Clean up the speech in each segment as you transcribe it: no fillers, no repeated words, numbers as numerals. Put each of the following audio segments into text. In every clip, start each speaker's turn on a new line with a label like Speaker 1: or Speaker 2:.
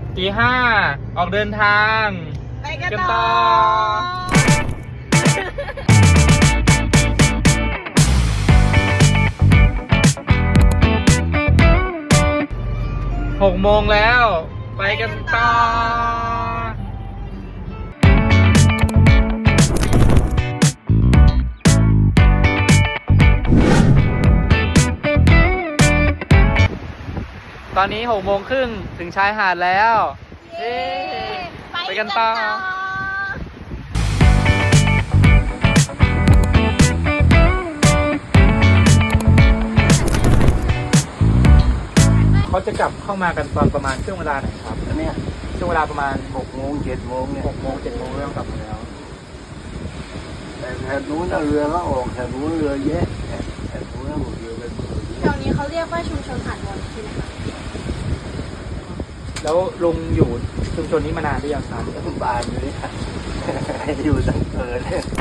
Speaker 1: ตี 5ออกเดินทาง
Speaker 2: ไปกัน
Speaker 1: ต่
Speaker 2: ต่
Speaker 1: อ 6 โมงแล้วไปกันต่อตอนนี้6 โมงครึ่งถึงชายหาดแล้วเย้ไปกันต่อเขาจะกลับเข้ามากันตอนประมาณช่วงเวลาไหนครับอันนี้ช่วงเวลาประมาณ
Speaker 3: 6 โมง 7 โมงเนี่ย
Speaker 1: 6 โมง 7 โมงเริ่มกลับมาแล้ว
Speaker 3: แต่แถบนู้นน่ะเรือก็ออกแถบนู้นเรือเยอะแถบนู้นน่ะหมดเรือไปหมด
Speaker 2: แถวนี้เขาเรียกว่าชุมชนหาดวอนใช่ไหมคะ
Speaker 1: แล้วลุงอยู่ชุมชนนี้มานานหรือยังครับ
Speaker 3: บานอยู่นี่อยู่ตั้งเกิดเลย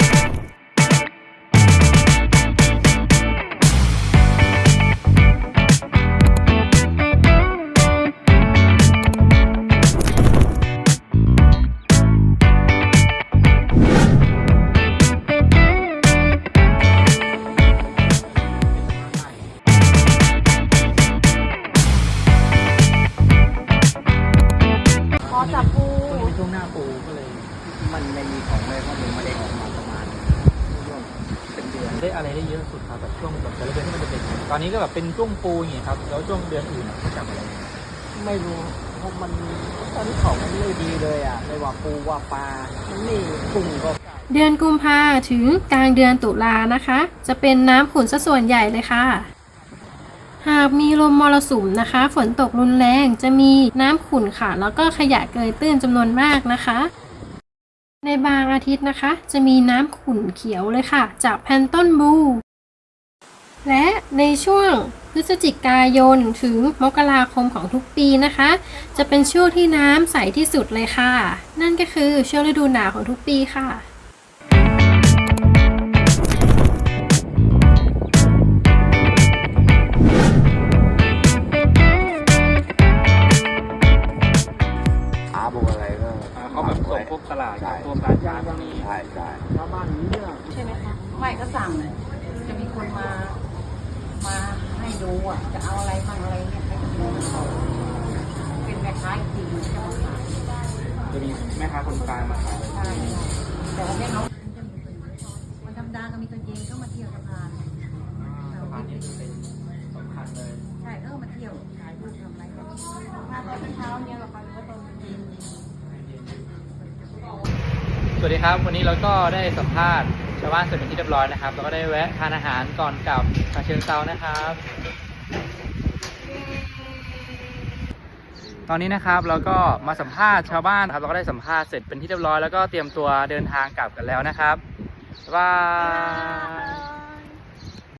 Speaker 2: อ๋อจับปู
Speaker 1: มันเป็นช่วงหน้าปูก็เลย
Speaker 3: มันไม่มีของเลยเพราะมันไม่ได้ออกมาประมาณช่วงเป็นเดือน
Speaker 1: ได้อะไรได้เยอะสุดครับแบบช่วงแบบแต่ละเดือนที่มันจะเป็นตอนนี้ก็แบบเป็นช่วงปูอย่างเงี้ยครับแล้วช่วงเดือนอื่นเขาจับอะไร
Speaker 3: ไม่รู้เพราะมันตอนนี้ของมันไม่ดีเลยอ่ะไม่ว่าปูว่าปลามันนี่กุ้งก็
Speaker 4: เดือนกุมภาถึงกลางเดือนตุลานะคะ จะเป็นน้ำขุ่นซะส่วนใหญ่เลยค่ะ หากมีลมมรสุมนะคะ ฝนตกรุนแรงจะมีน้ำขุ่นค่ะ แล้วก็ขยะเกยตื้นจำนวนมากนะคะ ในบางอาทิตย์นะคะ จะมีน้ำขุ่นเขียวเลยค่ะ จากแพลนต้นบลูและในช่วงพฤศจิกายนถึงมกราคมของทุกปีนะคะ จะเป็นช่วงที่น้ำใสที่สุดเลยค่ะ นั่นก็คือช่วงฤดูหนาวของทุกปีค่ะ
Speaker 3: หาพวกอะไรก็
Speaker 1: เขาแบบส่งพวกตลาดกับพวกร้านค้าพวกนี้
Speaker 3: ใช่ใช่ชาวบ้านนี้เนี่ย
Speaker 2: ใช่ไหมคะ
Speaker 5: ไม่ก็สั่งเลยจะมีคนมาให้ดูอ่ะ จะเอาอะไรบ้างอะไรเนี่ยให้ดูเขาเป็นแม่ค้าจริงๆจะมาขาย
Speaker 1: จะมีแม่ค้าคนกลางมาขาย
Speaker 5: ใช่แต่ว่าเนี่ยน้องจะมีคนวันธรรมดาก็มีตัวเองก็มาเที่ยวสะพาน
Speaker 1: สะพานนี้เป็นสำคัญเลย
Speaker 5: ใช่มาเที่ยวถ่ายรูปทำอะไรกัน
Speaker 2: มาตอนเช้าเนี่ยเหรอคะหรือว่าตอนเย็น
Speaker 1: สวัสดีครับวันนี้เราก็ได้สัมภาษณ์ชาวบ้านเสร็จเป็นที่เรียบร้อยนะครับแล้วก็ได้แวะทานอาหารก่อนกลับฉะเชิงเทรานะครับ ตอนนี้นะครับเราก็มาสัมภาษณ์ชาวบ้านครับเราก็ได้สัมภาษณ์เสร็จเป็นที่เรียบร้อยแล้วก็เตรียมตัวเดินทางกลับกันแล้วนะครับบ๊ายบาย